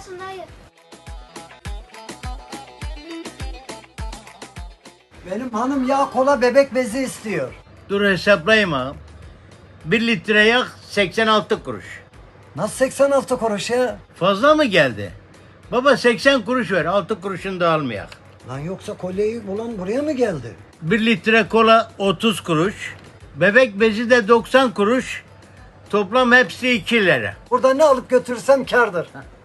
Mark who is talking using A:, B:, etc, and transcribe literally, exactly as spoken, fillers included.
A: olsun dayı.
B: Benim hanım yağ, kola, bebek bezi istiyor.
C: Dur hesaplayayım ağam. Bir litre yağ seksen altı kuruş.
B: Nasıl seksen altı kuruş ya?
C: Fazla mı geldi? Baba seksen kuruş ver, altı kuruşunu da almayak.
B: Lan yoksa kolyeyi bulan buraya mı geldi?
C: Bir litre kola otuz kuruş. Bebek bezi de doksan kuruş. Toplam hepsi iki lira.
B: Burada ne alıp götürsem kârdır.